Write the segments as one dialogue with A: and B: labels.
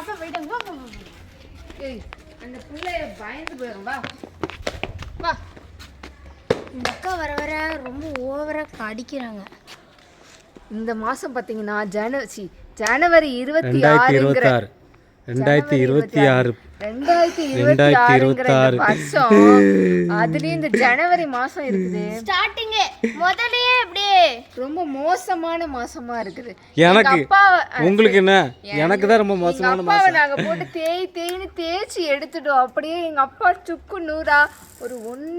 A: அப்பா போயிட்டாங்க.
B: ஏய் அந்த பிள்ளைய பயந்து போயிடும். வா
A: வா. இந்த அக்கா வர வர ரொம்ப ஓவரா அடிக்கிறாங்க.
B: இந்த மாசம் பாத்தீங்கன்னா ஜனவரி 26
C: 2026
B: வருஷம். அதுலயும் இந்த ஜனவரி மாசம் இருக்குது.
A: ஸ்டார்டிங் முதல்லயே அப்படியே
B: ரொம்ப மோசமான மாசமா இருக்குது.
C: எனக்கு உங்களுக்கு என்ன? எனக்கு தான் ரொம்ப மோசமான மாசம்.
B: நாங்க போட்டு தேய்னு தேய்ச்சி எடுத்துட்டோம். அப்படியே எங்க அப்பா சுக்கு நூறா ஒரு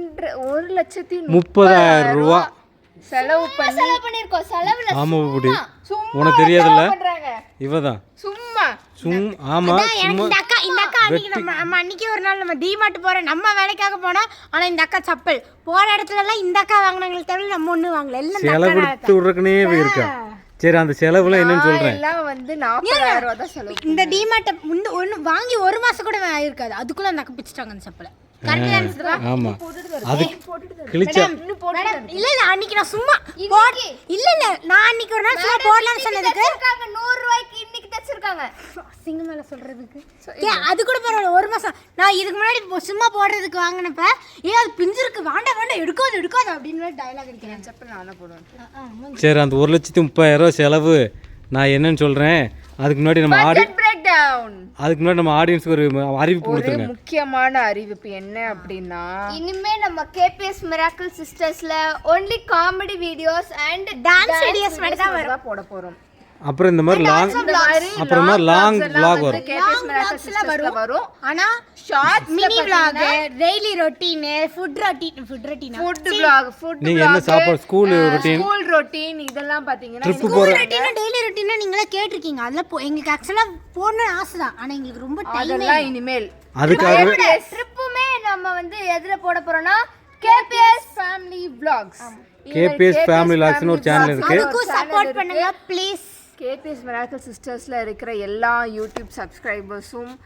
B: 1,30,000
C: ரூபாய்
B: செலவு
A: பண்ணிருக்கோம். செலவுல
C: ஆமா புடி உனக்கு தெரியாதுல்ல இவதான்
B: சும்மா
C: ஆமா
A: இந்த அக்கா அன்னைக்கு நம்ம அன்னைக்கு ஒரு நாள் நம்ம டிமார்ட் போறோம், நம்ம வேலைக்காக போனோம். ஆனா இந்த அக்கா சப்பல் போற இடத்துல எல்லாம் இந்த அக்கா வாங்கினாங்களே தவிர நம்ம ஒண்ணு வாங்கல. எல்லாம்
C: செலவு எடுத்து விடுறதுக்குனே இருக்கா. சரி அந்த செலவுல என்னன்னு சொல்றேன்.
B: எல்லாம் வந்து 40,000 ரூபாய் தான் செலவு.
A: இந்த டிமார்ட் ஒன்னு வாங்கி ஒரு மாசம் கூட ஆயிருக்காது, அதுக்குள்ள அந்த அக்கா பிச்சிட்டாங்க அந்த சப்பலை.
C: ஆமா அது கிழிச்சா
A: இல்ல அன்னைக்கு நான் சும்மா இல்ல நான் அன்னைக்கு ஒரு நாள் சும்மா போடலாம்னு சொன்னதுக்கு
B: 100 ரூபாய்க்கு இன்னைக்கு தச்சிருக்காங்க.
A: சிங்க மேல சொல்றதுக்கு அது கூட பரவாயில்ல. ஒரு மாசம் நான் இதுக்கு முன்னாடி சும்மா போடுறதுக்கு வாங்கினப்ப அது பிஞ்சிருக்கு வேண்டாம் எடுக்காது அப்படின்னு டயலாக் அடிக்கிறேன்.
B: செப்பல் நானே போடுவேன்.
C: சரி அந்த 1,30,000 செலவு நான் என்னன்னு சொல்றேன். அதுக்கு முன்னாடி நம்ம ஆடியன்ஸ்க்கு ஒரு அறிவிப்பு கொடுத்துருங்க.
B: முக்கியமான அறிவிப்பு என்ன அப்படின்னா,
A: இனிமே நம்ம KPS Miracle Sistersல only comedy videos and dance videos மட்டும் தான்
B: போட போறோம்.
C: அப்புறம் இந்த மாதிரி லாங் vlog வரும்.
B: KPS Miracle Sistersல வரும்.
A: ஆனா short mini vlog, daily routine, food vlog,
C: நீங்க என்ன சாப்பாடு ஸ்கூல்
B: ரொட்டீன் இதெல்லாம் பாத்தீங்கன்னா
A: டெய்லி ரொட்டீன் நீங்களே கேட்டிருக்கீங்க. அதெல்லாம் எங்களுக்கு ஆக்சுவலா போடணும்னு ஆசை தான். ஆனா எங்களுக்கு ரொம்ப டைம்
B: அதெல்லாம் இனிமேல்
C: அதுக்காகவே
A: ட்ரிப்புமே நம்ம வந்து எதுல போட போறோம்னா
B: KPS Family Vlogs.
C: KPS Family Vlogs னு ஒரு சேனல் இருக்கு.
A: அதுக்கு சப்போர்ட் பண்ணுங்க ப்ளீஸ்.
B: KPS Miracle Sistersல இருக்கிற எல்லா யூடியூப் சப்ஸ்கிரைபர்ஸும்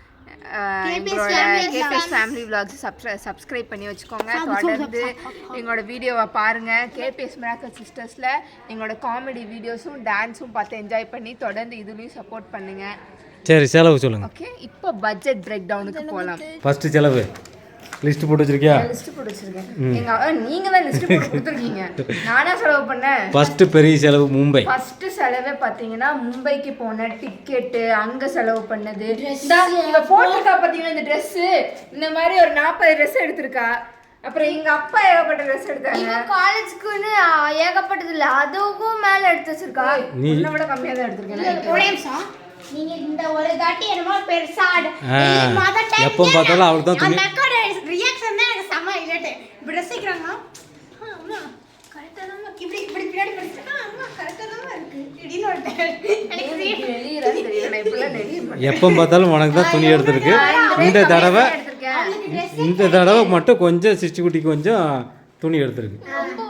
B: KPS Family Vlogs சப்ஸ்கிரைப் பண்ணி வச்சுக்கோங்க. தொடர்ந்து எங்களோட வீடியோவை பாருங்க. KPS Miracle Sistersல எங்களோட காமெடி வீடியோஸும் டான்ஸும் பார்த்து என்ஜாய் பண்ணி தொடர்ந்து இதுலயும் சப்போர்ட் பண்ணுங்க.
C: சரி செலவு சொல்லுங்க.
B: ஓகே இப்போ பட்ஜெட் பிரேக் டவுனுக்கு போலாம்.
C: ஃபர்ஸ்ட் செலவு லிஸ்ட் போட்டு வச்சிருக்கியா?
B: லிஸ்ட் போட்டு வச்சிருக்கேன். நீங்க தான் லிஸ்ட் போட்டு கொடுத்துருக்கீங்க. நானா செலவு பண்ணேன்.
C: ஃபர்ஸ்ட் பெரிய செலவு மும்பை.
B: ஃபர்ஸ்ட் செலவே பாத்தீங்கன்னா மும்பைக்கு போன டிக்கெட், அங்க செலவு பண்ணது. இங்க போட்டுக்கா பாத்தீங்கன்னா இந்த Dress இந்த மாதிரி ஒரு 40 Dress எடுத்திருக்கா. அப்புறம் எங்க அப்பா ஏகப்பட்ட Dress எடுத்தாங்க.
A: காலேஜ்க்குன்னு ஏகப்பட்டது இல்ல, அதுவும் மேல எடுத்து வச்சிருக்கா.
B: உன்னை விட கம்மியா தான் எடுத்திருக்கேன்.
A: ஒரே நிமிஷம். நீங்க இந்த ஒரு தாட்டி என்னமோ பெருசா
C: எப்போ பார்த்தாலும் அவளுக்கு தான்
A: அந்த அக்கோட ரியாக்ஷன் தான் எனக்கு செம இல்லட்டே. இப்படி ரசிக்கிறாங்க. அம்மா கரெக்ட்டா தான் இப்படி பின்னாடி படிச்சா அம்மா கரெக்ட்டா தான் இருக்கு. திடீர்னு எனக்கு
B: தெரியல.
C: எப்போ பார்த்தாலும் உனக்கு தான் துணி எடுத்துருக்கு. இந்த தடவை மட்டும் கொஞ்சம் சிச்சி குட்டிக்கு கொஞ்சம் துணி எடுத்துருக்கு.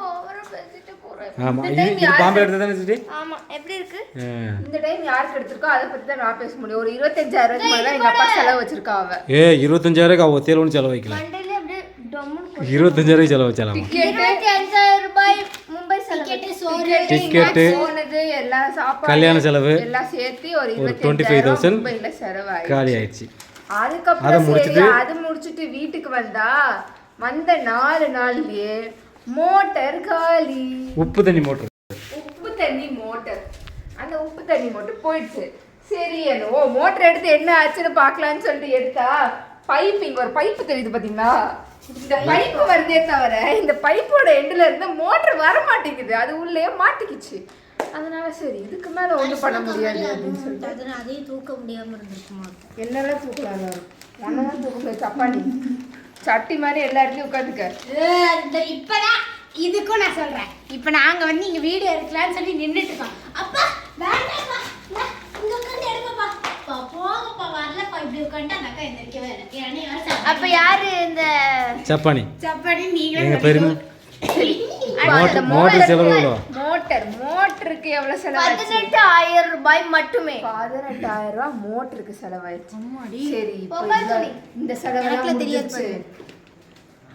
C: ஆமா இது பாம்பே எடுத்து தானே சிச்சி?
A: ஆமா எப்படி இருக்கு?
B: இந்த டைம் யாருக்கு எடுத்துருக்கோ அதை பத்தி தான் நான் பேச முடியும். ஒரு 25,000 ரூபாய் தான் எங்க அப்பா செலவு வச்சிருக்கா. அவ
C: 25,000 அவ தேல ஒன்னு செலவு வைக்கல.
A: மண்டல அப்படியே டம்முன்னு
C: 25,000 செலவு வச்சலாம்.
A: 25,000 ரூபாய் மும்பை
C: டிக்கெட்
B: போனது எல்லா சாப்பாடு
C: கல்யாண செலவு
B: எல்லாம் சேர்த்து ஒரு
C: 25,000
B: மும்பைல செலவாயிடுச்சு.
C: காலி ஆயிடுச்சு.
B: அதுக்கப்புறம் அது முடிச்சிட்டு வீட்டுக்கு வந்த 4 நாள்லயே மோட்டர் காலி.
C: உப்பு தண்ணி மோட்டர்
B: அந்த உப்பு தண்ணி மோட்டர் போயிடுச்சு. சரி என்னவோ மோட்டர் எடுத்து என்ன ஆச்சுன்னு பார்க்கலான்னு சொல்லிட்டு எடுத்தா இங்க ஒரு பைப்பு தெரியுது பாத்தீங்களா? இந்த பைப்பு வருதே தவிர இந்த பைப்போட எண்டுல இருந்து மோட்டர் வர மாட்டேங்குது. அது உள்ளே மாட்டிக்கிச்சு. அதனால சரி இதுக்கு மேல ஒண்ணும் பண்ண முடியாது அப்படின்னு சொல்லிட்டு
A: அதையும் தூக்க முடியாம இருந்திருக்குமா?
B: என்னெல்லாம் தூக்கலாம்? ஒன்னதான் தூக்க சப்பானி சட்டி மாதிரி எல்லா இடத்துலயும் உட்காந்துக்க.
A: இப்பதான் இதுக்கும் நான் சொல்றேன். இப்ப நாங்க வந்து இங்க வீடியோ எடுக்கலாம்னு சொல்லி நின்னுட்டு இருக்கோம். அப்பா வேண்டாம்ப்பா இங்க உட்கார்ந்து எடுப்பா. போங்கப்பா வரலப்பா. இப்படி உட்கார்ந்து அந்த அக்கா எந்திரிக்கவே இல்லை. அப்ப யாரு இந்த சப்பானி நீங்க
C: பெருமை மோட்டர் செலவு எவ்வளவு?
B: மோட்டருக்கு எவ்வளவு செலவாச்சு?
A: 18,000 ரூபாய் மட்டுமே.
B: 18,000 ரூபாய் மோட்டருக்கு செலவாயிடுச்சு. சரி இந்த செலவெல்லாம் தெரியாது.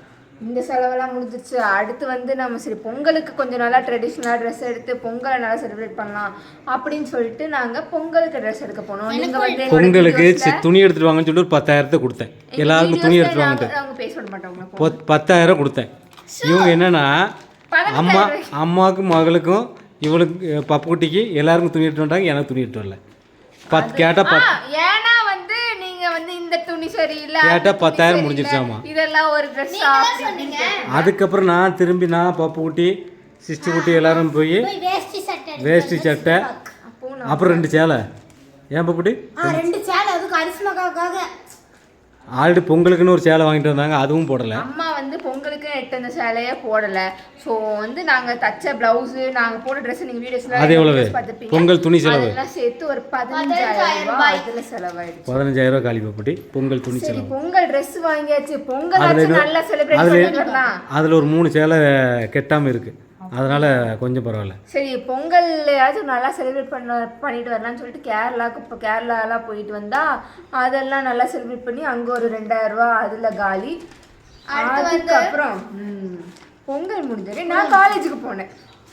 B: இந்த செலவெல்லாம் முடிஞ்சிச்சு. அடுத்து வந்து நம்ம சரி பொங்கலுக்கு கொஞ்சம் நல்லா ட்ரெடிஷ்னலாக ட்ரெஸ் எடுத்து பொங்கலை நல்லா செலிப்ரேட் பண்ணலாம் அப்படின்னு சொல்லிட்டு நாங்கள் பொங்கலுக்கு ட்ரெஸ் எடுக்க போனோம். நீங்கள் வந்து
C: பொங்கலுக்கு துணி எடுத்துட்டு வாங்கன்னு சொல்லிட்டு ஒரு 10,000 கொடுத்தேன். எல்லாருக்கும் துணி எடுத்துட்டு வாங்கிட்டு
B: அவங்க பேச விட மாட்டாங்க.
C: 10,000 கொடுத்தேன். இவங்க என்னன்னா அம்மாவுக்கும் மகளுக்கும் இவளுக்கு பப்புக்குட்டிக்கு எல்லாருக்கும் துணி எடுத்து வந்தாங்க, எனக்கு துணி எடுத்து வரல.
B: ஏன்னா வந்து நீங்க வந்து இந்த துணி சரியில்லை
C: கேட்டா 10,000 முடிஞ்சிருச்சாமா.
B: இதெல்லாம் ஒரு ட்ரெஸ்.
C: அதுக்கப்புறம் நான் திரும்பி பப்புக்குட்டி சிஸ்டி குட்டி எல்லாரும் போய் வேஷ்டி சட்டை அப்புறம் 2 சேலை. ஏன் பப்புக்குட்டி
A: 2 சேலை அதுக்கு அரிசிமக்காக
C: ஆல்ரெடி பொங்கலுக்குன்னு ஒரு சேலை வாங்கிட்டு வந்தாங்க, அதுவும் போடலை.
B: அம்மா வந்து பொங்கலுக்கு எட்டு அந்த சேலையே போடலை. ஸோ வந்து நாங்கள் தச்ச ப்ளவுஸு நாங்கள் போட்ட ட்ரெஸ் நீங்கள் வீடியோஸில்
C: அது எவ்வளவு பொங்கல் துணி செலவு
B: எல்லாம் சேர்த்து ஒரு 15,000 ரூபாய் அதில் செலவாயிடுச்சு.
C: 15,000 ரூபாய் காலி பப்புட்டி பொங்கல் துணி செலவு.
B: பொங்கல் ட்ரெஸ் வாங்கியாச்சு, பொங்கல் நல்லா செலிப்ரேட் பண்ணலாம்.
C: அதில் ஒரு 3 சேலை கெட்டாமல் இருக்குது, அதனால கொஞ்சம் பரவாயில்ல.
B: சரி பொங்கல்லையாச்சும் நல்லா செலிப்ரேட் பண்ணிட்டு வரலாம்னு சொல்லிட்டு கேரளாலாம் போயிட்டு வந்தா அதெல்லாம் நல்லா செலிப்ரேட் பண்ணி அங்கே ஒரு 2,000 ரூபாய் அதில் காலி. அதுக்கப்புறம் பொங்கல் முடிஞ்சது நான் காலேஜுக்கு போனேன்.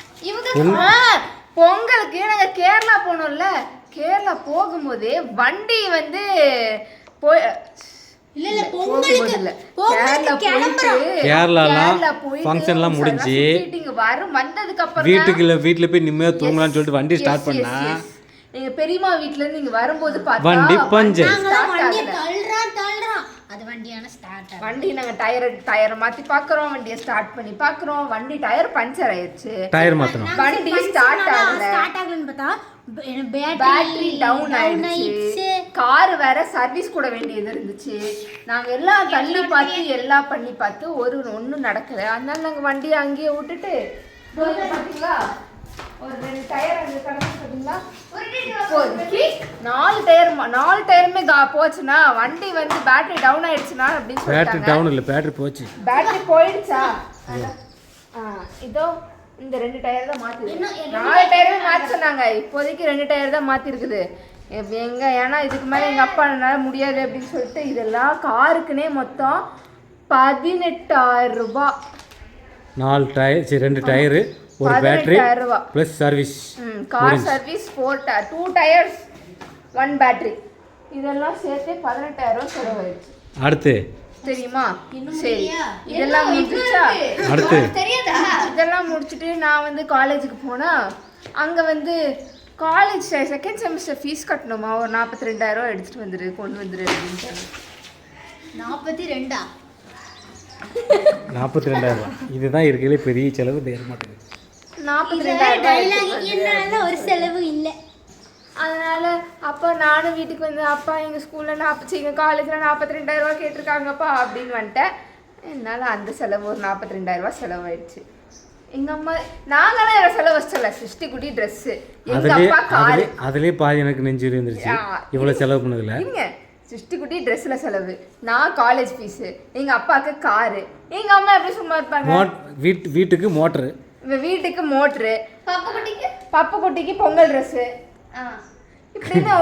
B: பொங்கலுக்கு நாங்கள் கேரளா போனோம்ல, கேரளா போகும்போதே வண்டி வந்து போய்
C: ஃபங்க்ஷன்லாம் முடிஞ்சு வீட்டுல போய் நிம்மதியா தூங்கலாம்னு சொல்லிட்டு வண்டி ஸ்டார்ட் பண்ணா
B: எங்க பெரியம்மா வீட்ல இருந்து இங்க வரும்போது
C: வண்டி பஞ்சர்.
B: வண்டி நாங்க டயரை மாத்தி பாக்குறோம், வண்டியை ஸ்டார்ட் பண்ணி பாக்குறோம், வண்டி டயர் பஞ்சர் ஆயிடுச்சு.
C: டயர் மாத்தணும்,
B: வண்டி ஸ்டார்ட் ஆகலன்னு பார்த்தா பேட்டரி டவுன் ஆயிடுச்சு. கார் வேற சர்வீஸ் கூட வேண்டியது இருந்துச்சு. நாங்க எல்லாம் தள்ளி பார்த்து எல்லாம் பண்ணி பார்த்து ஒன்றும் நடக்கல. அதனால நாங்க வண்டியை அங்கேயே விட்டுட்டு பாத்தீங்களா ஒரு 2 டயர் அங்க கடந்து பாத்தீங்களா 4 டயருமே போச்சுன்னா வண்டி வந்து பேட்டரி டவுன் ஆயிடுச்சுனா அப்படின்னு சொல்லிட்டாங்க.
C: பேட்டரி டவுன் இல்ல, பேட்டரி போச்சு.
B: பேட்டரி போயிடுச்சா? இதோ இந்த 2 டயர் தான் மாத்திருக்கு. 4 டயருமே மாத்த சொன்னாங்க, இப்போதைக்கு 2 டயர் தான் மாத்தி இருக்குது. எங்க ஏன்னா இதுக்கு மேல எங்க அப்பா என்னால முடியாது அப்படின்னு சொல்லிட்டு இதெல்லாம் காருக்குனே மொத்தம் 18,000 ரூபாய்.
C: 4 டயர் 2 டயர் ஒரு battery plus service.
B: Car service 2 tyres 1 battery இதெல்லாம் சேர்த்து 18,000 செலவாயிடுச்சு.
C: அடுத்து
B: தெரியுமா? சரி இதெல்லாம் முடிஞ்சுச்சா?
C: அடுத்து
B: தெரியாதா? இதெல்லாம் முடிச்சுட்டு நான் வந்து காலேஜுக்கு போனா அங்க வந்து காலேஜ் செகண்ட் செமஸ்டர் ஃபீஸ் கட்டணுமா, ஒரு 42,000 ரூபாய் எடுத்துட்டு கொண்டு வந்துரு அப்படின்ட்டாங்க.
C: 42,000 இதுதான் இருக்கிறதுல பெரிய செலவு. தேர மாட்டேங்குது
B: 42,000
A: ஒரு செலவு இல்லை.
B: அதனால அப்போ நானும் வீட்டுக்கு வந்து அப்பா எங்கள் ஸ்கூலில் எங்கள் காலேஜில் 42,000 ரூபா கேட்டிருக்காங்கப்பா அப்படின்னு வந்துட்டேன். என்னால் அந்த செலவு ஒரு 42,000 ரூபா செலவாயிடுச்சு. எங்கள் அம்மா நாங்களாம் என்னோட செலவு வச்சல சிருஷ்டி குட்டி ட்ரெஸ்ஸு, எங்கள் அப்பா காரு,
C: அதுலேயே பாதி எனக்கு நெஞ்சு இருந்துருச்சு. இவ்வளோ செலவு பண்ணதில்ல.
B: இல்லைங்க சிருஷ்டி குட்டி ட்ரெஸ்ஸில் செலவு, நான் காலேஜ் ஃபீஸு, எங்கள் அப்பாவுக்கு காரு, எங்கள் அம்மா எப்படி சும்மா இருப்பாங்க?
C: வீட்டுக்கு மோட்ரு,
B: வீட்டுக்கு மோட்ரு, பப்பு குட்டிக்கு பொங்கல் ட்ரெஸ்ஸு, இப்படின்னு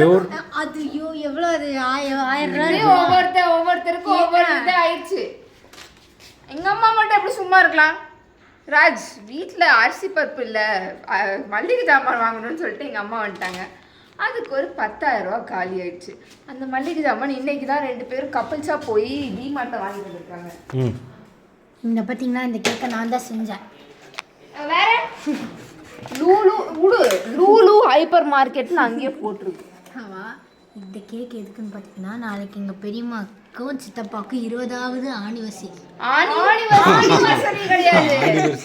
B: ஒவ்வொருத்தருக்கும் ஒவ்வொரு இது ஆயிடுச்சு. எங்க அம்மா மட்டும் எப்படி சும்மா இருக்கலாம்? ராஜ் வீட்டில் அரிசி பருப்பு இல்லை, மல்லிகை ஜாமான் வாங்கணும்னு சொல்லிட்டு எங்கள் அம்மா வந்துட்டாங்க. அதுக்கு ஒரு 10,000 ரூபா காலி ஆயிடுச்சு. அந்த மல்லிகை ஜாமான் இன்னைக்கு தான் 2 பேரும் கப்பல்ஸாக போய் டிமார்ட்டில் வாங்கிட்டு வந்திருக்காங்க.
A: இந்த பார்த்தீங்கன்னா இந்த கேக்கை நான் தான் செஞ்சேன்.
B: வேற லூலு ஹைப்பர் மார்க்கெட்னு அங்கேயே போட்டிருக்கு.
A: இந்த கேக் எதுக்குன்னு பார்த்தீங்கன்னா நாளைக்கு எங்கள் பெரியம்மாக்கும் சித்தப்பாவுக்கும் 20வது ஆனிவர்சரி.
B: கிடையாது,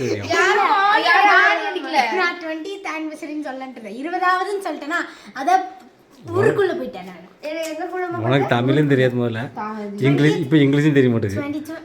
A: நான் 20th ஆனிவர்சரின்னு சொல்லன்ட்டு 20வதுன்னு சொல்லிட்டேன்னா அதை ஊருக்குள்ள போயிட்டேன் நான்.
C: உனக்கு தமிழும் தெரியாது முதல்ல, இங்கிலீஷ் இப்போ இங்கிலீஷும் தெரிய மாட்டேங்குது.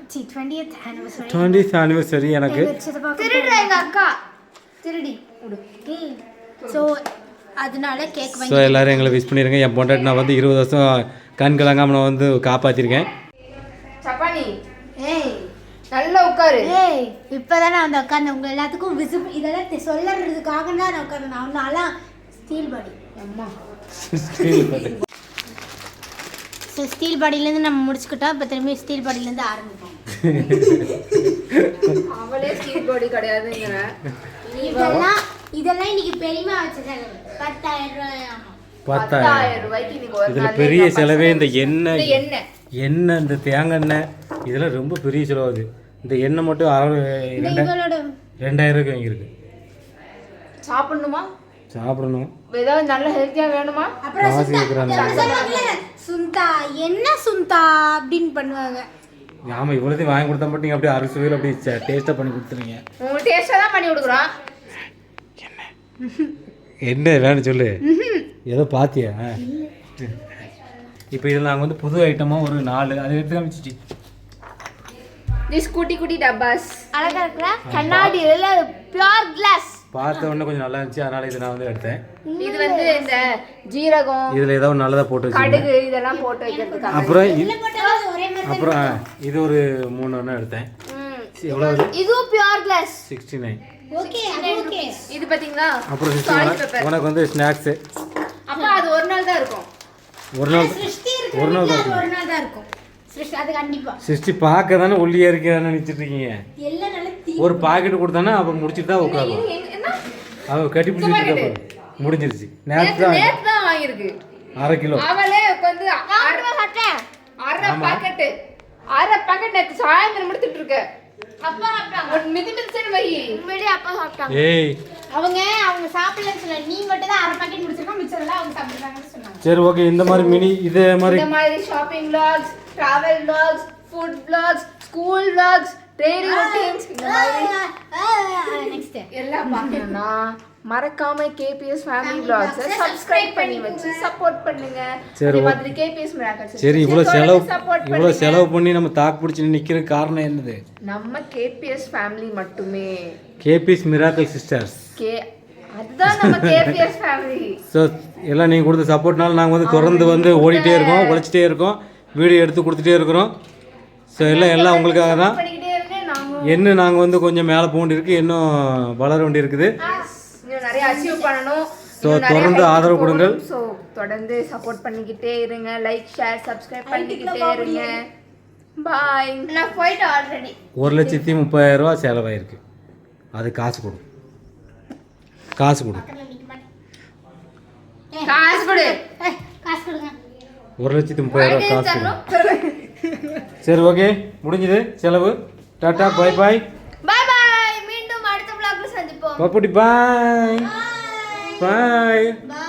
C: 20th ஆனிவர்சரி எனக்கு
B: திருடுற எங்க அக்கா திருடி.
A: ஸோ அதனால கேக்
C: ஸோ எல்லாரும் எங்களை விஷ் பண்ணிடுங்க. என் பொண்டாட்டி நான் வந்து 20 வருஷம் கண் கலங்காமல் நான் வந்து காப்பாற்றிருக்கேன்.
B: சப்பானி நல்லா உட்காரு.
A: இப்போதானே அந்த உட்காந்து உங்கள் எல்லாத்துக்கும் விசிபிள் இதெல்லாம் சொல்லறதுக்காக தான் நான் உட்காந்து. நான் நான்லாம் ஸ்டீல் பாடி அம்மா ஸோ ஸ்டீல் பாடியிலேருந்து நம்ம முடிச்சுக்கிட்டோம். இப்போ திரும்பி ஸ்டீல் பாடியிலேருந்து ஆரம்பிப்போம்.
B: அவளே ஸ்டீல் பாடி கிடையாதுங்கிற.
A: இதெல்லாம் இன்னைக்கு பெரியமா வச்சிருக்காங்க 10,000 ரூபாய்.
B: 10,000 ரூபாய்க்கு இன்னைக்கு ஒரு
C: இதில்
B: நாள்
C: பெரிய செலவே இந்த எண்ணெய்
B: எண்ணெய்.
C: எண்ணெய் இந்த தேங்காய் எண்ணெய் இதெல்லாம் ரொம்ப பெரிய செலவாகுது. இந்த எண்ணெய் மட்டும் 2,000 ரூபாய்க்கு வாங்கியிருக்கு.
B: சாப்பிடணுமா?
C: சாப்பிடணும்.
B: ஏதாவது நல்ல ஹெல்த்தியா வேணுமா?
A: அப்புறம்
C: காசு இருக்கிறாங்க.
A: சுந்தா என்ன சுந்தா அப்படின்னு பண்ணுவாங்க.
C: ஆமாம், இவ்வளோத்தையும் வாங்கி கொடுத்தா மட்டும் நீங்கள் அப்படியே அரிசுவையில் அப்படியே டேஸ்ட்டாக பண்ணி கொடுத்துருங்க.
B: உங்களுக்கு டேஸ்ட்டாக தான் பண்ணி கொடுக்குறோம்.
C: என்ன வேணும் சொல்லு. ஏதோ பார்த்தியா? இப்போ இதில் நாங்கள் வந்து புது ஐட்டமாக ஒரு 4 அதை எடுத்து காமிச்சிச்சு.
B: திஸ் குட்டி குட்டி டப்பாஸ்
A: அழகா இருக்குல்ல? கண்ணாடி எல்லாம் பியூர் கிளாஸ்.
C: பார்த்த உடனே கொஞ்சம் நல்லா இருந்துச்சு, அதனால இதை நான் வந்து எடுத்தேன்.
B: இது வந்து இந்த ஜீரகம்,
C: இதில் ஏதாவது நல்லதாக போட்டு வச்சு.
B: கடுகு இதெல்லாம் போட்டு வைக்கிறதுக்காக.
C: அப்புறம்
A: ஒரே மாதிரி
C: அப்புறம் இது ஒரு 3 ஒன்று எடுத்தேன். எவ்வளோ?
A: இதுவும் பியூர் கிளாஸ்.
C: 69.
A: Okay okay.
B: இது பாத்தீங்களா?
C: அப்புறம் 69 உனக்கு வந்து ஸ்நாக்ஸு.
B: அப்ப அது ஒரு நாள் தான் இருக்கும்.
C: ஒரு நாள்
A: சிருஷ்டி
C: ஒரு நாள்
A: இருக்கு.
C: தான்
A: ஒரு நாள் தான் இருக்கும். சிருஷ்டி அது கண்டிப்பா.
C: சிருஷ்டி பார்க்க தானே ஒல்லியாக இருக்கிறான்னு நினச்சிட்டு இருக்கீங்க.
A: எல்லாம் நல்ல
C: ஒரு பாக்கெட் கொடுத்தானே அப்புறம் முடிச்சுட்டு தான் உட்காருவோம்.
B: என்ன?
C: அவ கட்டி பிடிச்சிட்டு முடிஞ்சிருச்சு. நேற்று
B: நேத்து தான் வாங்கிருக்கு.
C: 1/2 கிலோ.
B: அவளே வந்து அரை பாக்கெட் நேத்து சாயந்தரம் முடிச்சிட்டு இருக்க. அப்பா சாப்பிட்டாங்க. ஒரு மிதிமிதிச்சன் வை.
A: உண்மையிலே அப்பா சாப்பிட்டாங்க.
C: ஏய்
A: அவங்க சாப்பிடலன்னு சொல்ல, நீ மட்டும் தான் அரை பாக்கெட் முடிச்சிருக்கோம், மிச்சம் எல்லாம் அவங்க சாப்பிடுறாங்கன்னு சொன்னாங்க.
C: சரி ஓகே. இந்த மாதிரி மினி இதே மாதிரி
B: இந்த மாதிரி shopping vlogs, travel vlogs, food vlogs, school vlogs, daily routines இந்த மாதிரி
A: நெக்ஸ்ட்
B: எல்லாம் பார்க்கணும்னா மறக்காம KPS ஃபேமிலி vlogs சப்ஸ்கிரைப் பண்ணி வச்சு சப்போர்ட் பண்ணுங்க.
C: சரி,
B: அதே மாதிரி KPS மிராக்கிள்ஸ்.
C: சரி. இவ்வளோ செலவு பண்ணி நம்ம தாக்கு பிடிச்சி நிற்கிற காரணம் என்னது?
B: நம்ம KPS ஃபேமிலி மட்டுமே.
C: KPS Miracle Sisters.
B: அதுதான் நம்ம KPS ஃபேமிலி.
C: ஸோ எல்லாம் நீங்கள் கொடுத்த சப்போர்ட்னால நாங்கள் வந்து தொடர்ந்து வந்து ஓடிட்டே இருக்கோம், உழைச்சிட்டே இருக்கோம், வீடியோ எடுத்து கொடுத்துட்டே இருக்கிறோம். ஸோ எல்லாம் உங்களுக்காக தான்.
B: பண்ணிக்கிட்டே இருங்க. நாங்க
C: இன்னும் நாங்கள் வந்து கொஞ்சம் மேலே போக வேண்டியிருக்கு, இன்னும் வளர வேண்டி இருக்குது.
B: இன்னும் நிறைய அச்சீவ் பண்ணணும்.
C: ஸோ தொடர்ந்து ஆதரவு கொடுங்கள்.
B: ஸோ தொடர்ந்து சப்போர்ட் பண்ணிக்கிட்டே இருங்க. லைக் ஷேர் சப்ஸ்கிரைப் பண்ணிக்கிட்டே இருங்க. பாய்.
A: நான் போயிட்டு ஆல்ரெடி
C: 1,30,000 ரூபா செலவாயிருக்கு. அது காசு கொடு.
B: காசு கொடு.
A: காசு கொடுங்க.
C: 1,30,000 ரூபா காசு கொடு. சரி ஓகே, முடிஞ்சது செலவு. Tata bye bye.
A: Bye bye. மீண்டும் அடுத்த vlogல சந்திப்போம்.
C: பாப்புடி பாய். பாய்.